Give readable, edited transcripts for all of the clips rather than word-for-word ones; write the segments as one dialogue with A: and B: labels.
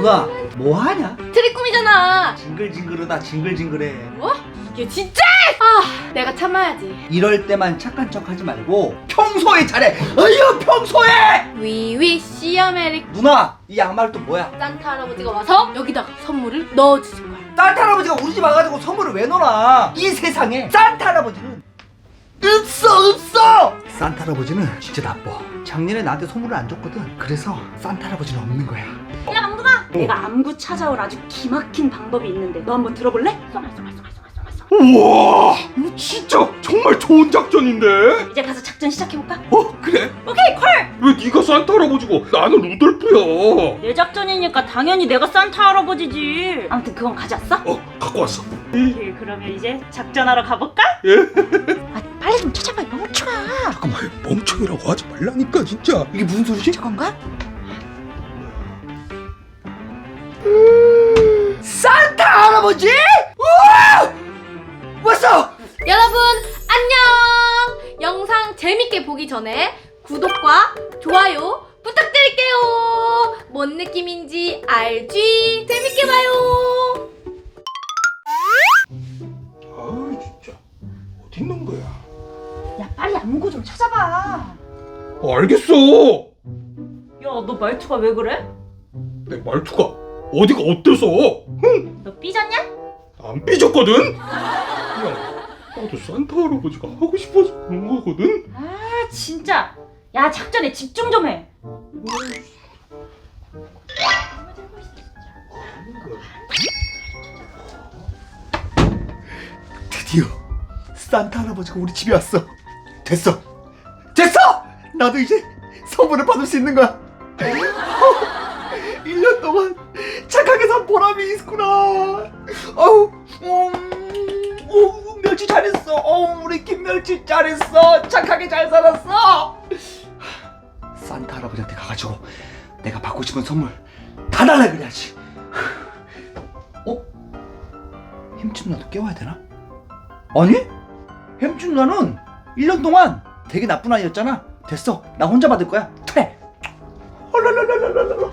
A: 누나 뭐하냐?
B: 트리꿈이잖아.
A: 징글징글하다 징글징글해.
B: 뭐? 이게 진짜? 아, 내가 참아야지.
A: 이럴 때만 착한 척 하지 말고 평소에 잘해. 어휴 평소에.
B: We wish you a merry.
A: 누나 이 양말 또 뭐야?
B: 산타 할아버지가 와서 여기다가 선물을 넣어주실 거야.
A: 산타 할아버지가 우리 집 와가지고 선물을 왜 넣어놔? 이 세상에 산타 할아버지는 없어. 산타 할아버지는 진짜 나빠. 작년에 나한테 선물을 안 줬거든. 그래서 산타 할아버지는 없는 거야.
C: 야 망둥아, 내가 암구 찾아올 아주 기막힌 방법이 있는데 너 한번 들어볼래? 쏘말쏘말쏘말쏘말쏘말.
D: 우와, 이거 진짜 정말 좋은 작전인데?
C: 이제 가서 작전 시작해볼까?
D: 그래?
C: 오케이 콜!
D: 왜 네가 산타 할아버지고 나는 루돌프야?
C: 내 작전이니까 당연히 내가 산타 할아버지지. 아무튼 그건 가져왔어?
D: 갖고 왔어.
C: 오케이, 그러면 이제 작전하러 가볼까?
D: 예?
C: 아, 빨리 좀 찾아봐 이 멍청아.
D: 잠깐만, 멍청이라고 하지 말라니까 진짜.
A: 이게 무슨 소리지?
C: 저건가?
A: 산타 할아버지? 우와! 왔어!
B: 여러분 안녕. 영상 재밌게 보기 전에 구독과 좋아요 부탁드릴게요. 뭔 느낌인지 알지? 재밌게 봐요.
D: 아유 진짜 어디 있는 거야?
C: 야 빨리 암구 좀 찾아봐.
D: 알겠어.
C: 야 너 말투가 왜 그래?
D: 내 말투가 어디가 어때서? 흥,
C: 너 삐졌냐?
D: 안 삐졌거든. 그냥 나도 산타 할아버지가 하고 싶어서 그런 거거든.
C: 아 진짜. 야 작전에 집중 좀 해.
A: 드디어 산타 할아버지가 우리 집에 왔어. 됐어. 나도 이제 선물을 받을 수 있는 거야. 1년 동안 착하게 산 보람이 있구나. 멸치 잘했어. 우리 김멸치 잘했어. 착하게 잘 살았어. 산타 할아버지한테 가가지고 내가 받고 싶은 선물 다 달라 그래야지. 햄찌 누나도 깨워야 되나? 아니? 햄찌 누나는 1년 동안 되게 나쁜 아이였잖아. 됐어. 나 혼자 받을 거야. 그래. 헐랄랄랄랄랄라.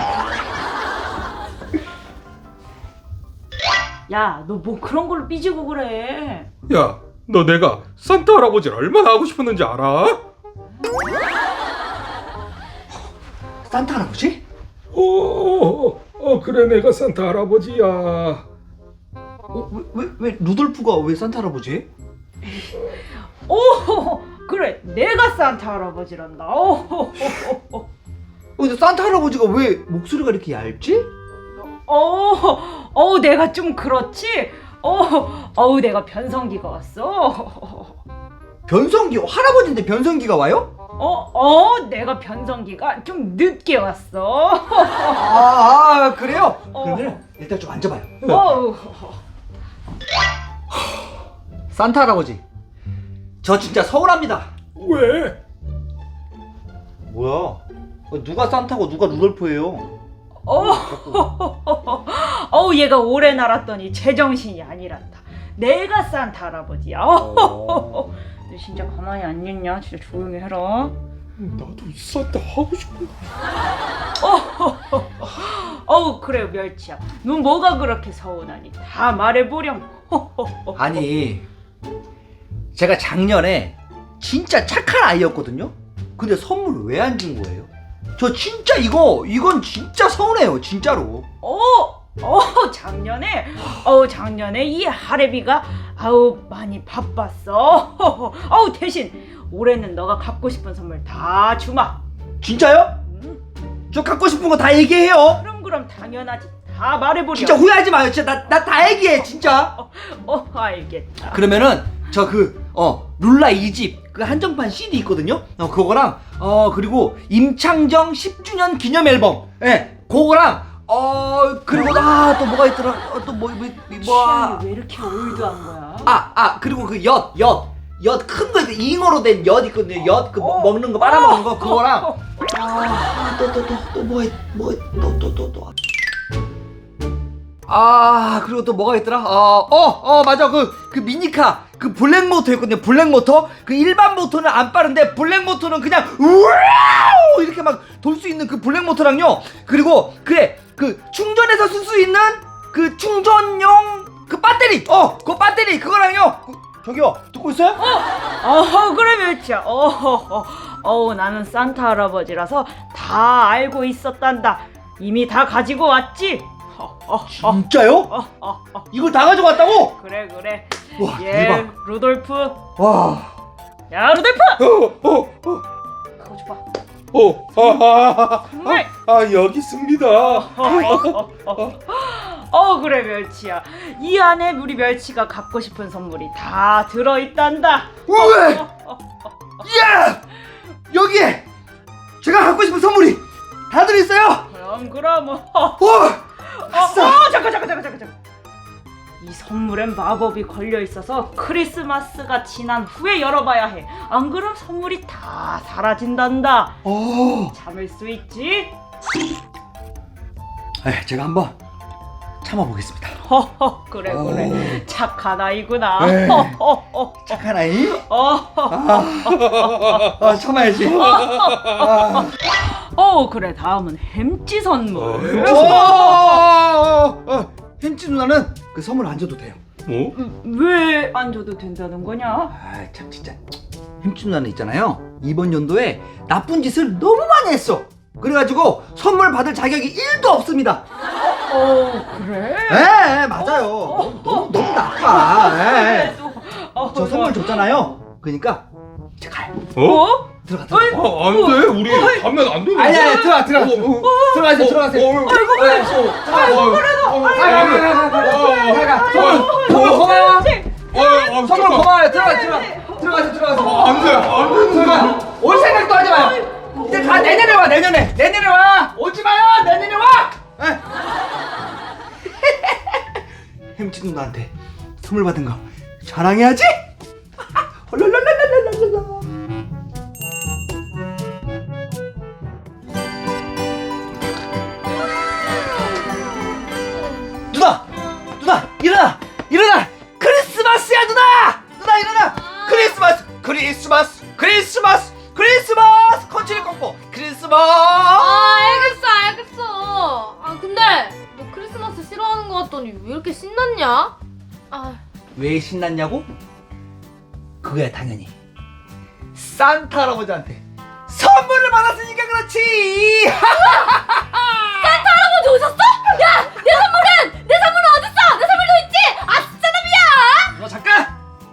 C: 야 너 뭐 그런 걸로 삐지고 그래.
D: 야, 너 내가 산타 할아버지를 얼마나 하고 싶었는지 알아?
A: 산타 할아버지?
D: 그래, 내가 산타 할아버지야.
A: 왜 루돌프가 왜 산타 할아버지?
C: 오 그래 내가 산타 할아버지란다.
A: 근데 산타 할아버지가 왜 목소리가 이렇게 얇지?
C: 내가 좀 그렇지. 내가 변성기가 왔어.
A: 변성기 할아버지인데 변성기가 와요?
C: 내가 변성기가 좀 늦게 왔어.
A: 그래요? 그러면 일단 좀 앉아봐요. 산타 할아버지, 저 진짜 서운합니다.
D: 왜?
A: 뭐야? 누가 산타고 누가 루돌프예요?
C: 얘가 오래 날았더니 제정신이 아니란다. 내가 산타 할아버지야. 너 진짜 가만히 안 있냐? 진짜 조용히 해라.
D: 나도 산타 하고 싶은데.
C: 그래 멸치야. 넌 뭐가 그렇게 서운하니? 다 말해보렴.
A: 아니, 제가 작년에 진짜 착한 아이였거든요? 근데 선물 왜 안 준 거예요? 저 진짜 이건 진짜 서운해요, 진짜로.
C: 작년에 이 하레비가 많이 바빴어. 대신 올해는 너가 갖고 싶은 선물 다 주마.
A: 진짜요? 저 갖고 싶은 거 다 얘기해요.
C: 그럼 당연하지. 다 말해보렴.
A: 진짜 후회하지 마요. 진짜 나 다 얘기해, 진짜.
C: 알겠다.
A: 그러면은 저 룰라 2집 그 한정판 CD 있거든요. 그거랑 그리고 임창정 10주년 기념 앨범. 예. 그거랑 그리고 또 뭐가 있더라?
C: 취향이 왜 이렇게 올드한 거야?
A: 그리고 그 엿 큰 거 잉어로 된 엿 있거든요. 엿 먹는 거 빨아먹는 거 그거랑 그리고 또 뭐가 있더라? 맞아. 그 미니카 그 블랙 모터 있거든요. 블랙 모터. 그 일반 모터는 안 빠른데 블랙 모터는 그냥 우와우 이렇게 막 돌 수 있는 그 블랙 모터랑요. 그리고 그 그 충전해서 쓸 수 있는 그 충전용 그 배터리 그 배터리 그거랑요 저기요 듣고 있어요?
C: 그래 멸치야. 나는 산타 할아버지라서 다 알고 있었단다. 이미 다 가지고 왔지.
A: 진짜요? 이걸 다 가져갔다고?
C: 그래.
A: 와
C: 예,
A: 대박
C: 루돌프.
A: 와
C: 야, 루돌프. 그거 줘봐. 정말.
D: 여기 있습니다.
C: 그래 멸치야. 이 안에 우리 멸치가 갖고 싶은 선물이 다 들어있단다.
A: 우와 야 여기에 제가 갖고 싶은 선물이 다 들어있어요
C: 그럼.
A: 아싸
C: 잠깐. 이 선물엔 마법이 걸려 있어서 크리스마스가 지난 후에 열어봐야 해. 안 그럼 선물이 다 사라진단다. 참을 수 있지?
A: 제가 한번 참아보겠습니다
C: 그래. 착한 아이구나.
A: 네. 착한 아이 참아야지
C: 그래. 다음은 햄찌 선물.
A: 햄찌 누나는 그 선물 안 줘도 돼요
D: 뭐?
C: 왜 안 줘도 된다는 거냐?
A: 참 진짜 햄찌 누나는 있잖아요 이번 연도에 나쁜 짓을 너무 많이 했어 그래가지고 선물 받을 자격이 1도 없습니다
C: 그래?
A: 네 맞아요 너무 나빠 저 선물
C: 좀.
A: 줬잖아요 그러니까 이제 가요 들어가
D: 안 돼. 우리 가면 안 되는데.
A: 아니야 들어가세요 선물 고마워 선물 고마워요 들어가세요
D: 안 돼.
A: 올 생각도 하지 마요 이제 가 내년에 와 오지 마요 내년에 와 햄찌 누나한테 선물 받은 거 자랑해야지 헐랄랄랄랄랄랄라 누나 일어나 크리스마스야 누나 일어나 크리스마스 컨치리 꺾고 크리스마스
B: 알겠어. 근데 너 크리스마스 싫어하는 거 같더니 왜 이렇게 신났냐?
A: 왜 신났냐고? 그거야 당연히 산타 할아버지한테 선물을 받았으니까 그렇지
B: 할아버지 오셨어? 야, 내 선물은 어딨어? 내 선물도 있지? 아싸남이야!
A: 너 잠깐!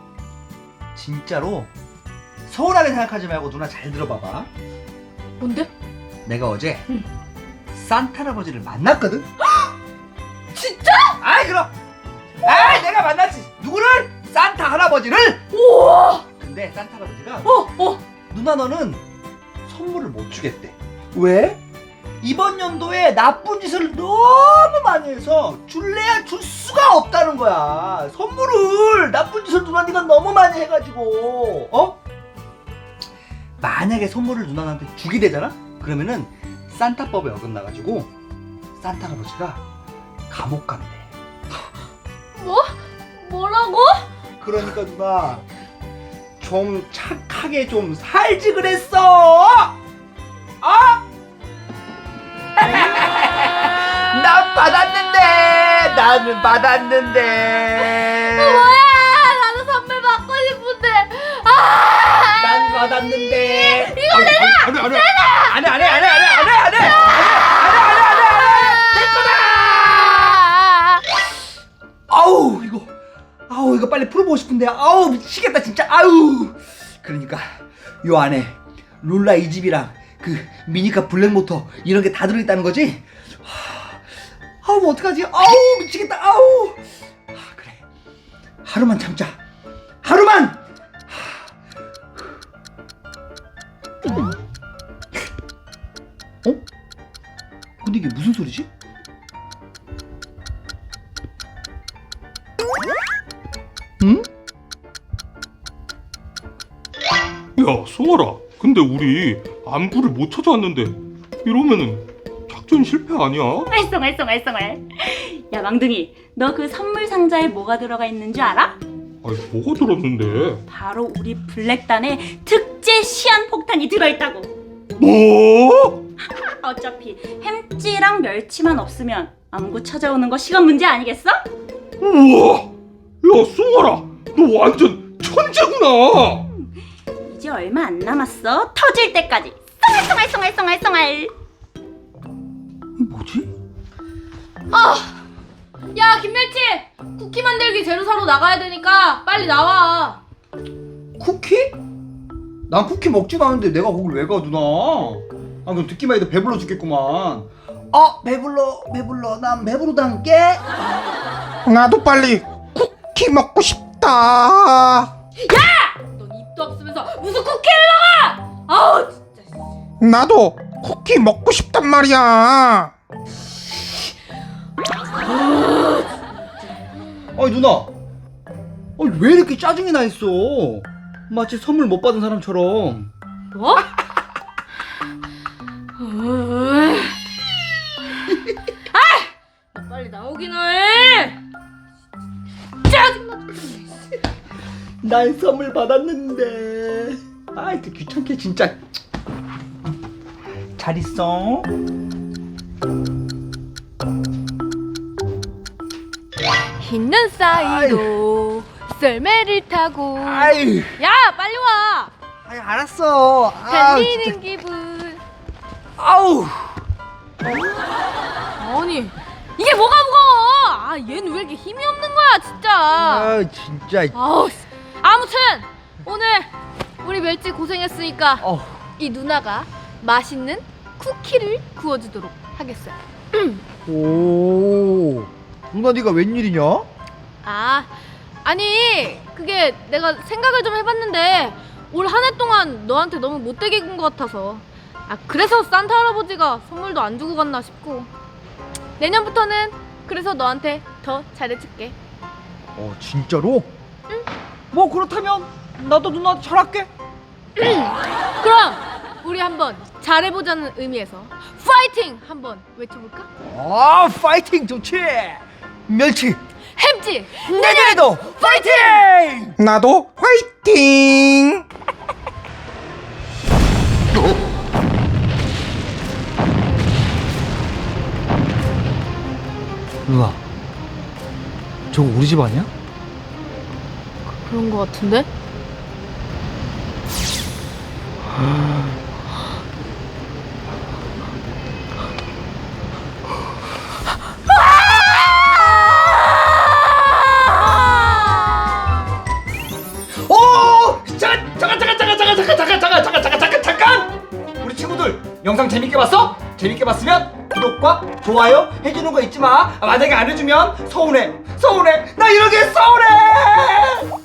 A: 진짜로 서운하게 생각하지 말고 누나 잘 들어봐봐
B: 뭔데?
A: 내가 어제 산타 할아버지를 만났거든?
B: 진짜?
A: 그럼 내가 만났지 누구를? 산타 할아버지를?
B: 우와!
A: 근데 산타 할아버지가 누나 너는 선물을 못 주겠대 왜? 이번 연도에 나쁜 짓을 너무 많이 해서 줄래야 줄 수가 없다는 거야 선물을 나쁜 짓을 누나 네가 너무 많이 해가지고 만약에 선물을 누나한테 주게 되잖아? 그러면은 산타법에 어긋나가지고 산타 할아버지가 감옥 간대
B: 뭐라고?
A: 그러니까 누나 좀 착하게 좀 살지 그랬어 나는 받았는데
B: 나도 선물 받고 싶은데
A: 난 받았는데
B: 이거 내놔!
A: 안해 내 거다 이거 빨리 풀어보고 싶은데 미치겠다 진짜 그러니까 요 안에 룰라 이 집이랑 그 미니카 블랙모터 이런 게 다 들어있다는 거지? 뭐 어떡하지? 미치겠다 그래 하루만 참자 근데 이게 무슨 소리지? 응?
D: 야, 송아라. 근데 우리 안부를 못 찾아왔는데 이러면은 작전 실패 아니야?
C: 알쏭. 야 망둥이, 너 그 선물 상자에 뭐가 들어가 있는 줄 알아?
D: 뭐가 들었는데?
C: 바로 우리 블랙단의 특제 시한 폭탄이 들어있다고.
D: 뭐?
C: 어차피 햄찌랑 멸치만 없으면 암구 찾아오는 거 시간 문제 아니겠어?
D: 우와, 야 송아라, 너 완전 천재구나.
C: 이제 얼마 안 남았어. 터질 때까지 썽알썽알썽알썽알썽알.
A: 뭐지?
B: 야 김멸치, 쿠키 만들기 재료 사러 나가야 되니까 빨리 나와.
A: 쿠키? 난 쿠키 먹지도 않은데 내가 거길 왜 가, 누나? 아, 그럼 듣기만 해도 배불러 죽겠구만. 배불러. 난 배부르단께.
E: 나도 빨리 쿠키 먹고 싶다.
B: 넌 입도 없으면서 무슨 쿠키를 먹어? 아우 진짜.
E: 나도 쿠키 먹고 싶단 말이야.
A: 아니 누나, 아니 왜 이렇게 짜증이 나 있어? 마치 선물 못 받은 사람처럼.
B: 뭐? 아! 빨리 나오긴 해. 짜증나.
A: 난 선물 받았는데. 아이, 또 귀찮게 진짜. 잘 있어.
B: 흰 눈 사이로 썰매를 타고.
A: 아이,
B: 야 빨리 와.
A: 아이 알았어. 아,
B: 달리는
A: 진짜.
B: 기분.
A: 아우.
B: 아니 이게 뭐가 무거워? 아 얘는 왜 이렇게 힘이 없는 거야 진짜.
A: 아, 진짜.
B: 아우 씨. 아무튼 오늘 우리 멸치 고생했으니까
A: 어.
B: 이 누나가 맛있는 쿠키를 구워주도록 하겠어요.
A: 오. 누나 네가 웬일이냐?
B: 아니 그게 내가 생각을 좀 해봤는데 올 한 해 동안 너한테 너무 못되게 군 것 같아서 그래서 산타 할아버지가 선물도 안 주고 갔나 싶고 내년부터는 그래서 너한테 더 잘해줄게.
A: 진짜로? 응. 뭐 그렇다면 나도 누나한테 잘할게.
B: 그럼 우리 한번 잘해보자는 의미에서 파이팅 한번 외쳐볼까?
A: 파이팅 좋지. 멸치
B: 햄찌
A: 내년에도 파이팅!
E: 나도 화이팅!
A: 누나, 저거 우리 집 아니야?
B: 그런 거 같은데?
A: 잠깐! 우리 친구들 영상 재밌게 봤어? 재밌게 봤으면 구독과 좋아요 해주는 거 잊지 마. 만약에 안 해주면 서운해. 나 이러게 서운해.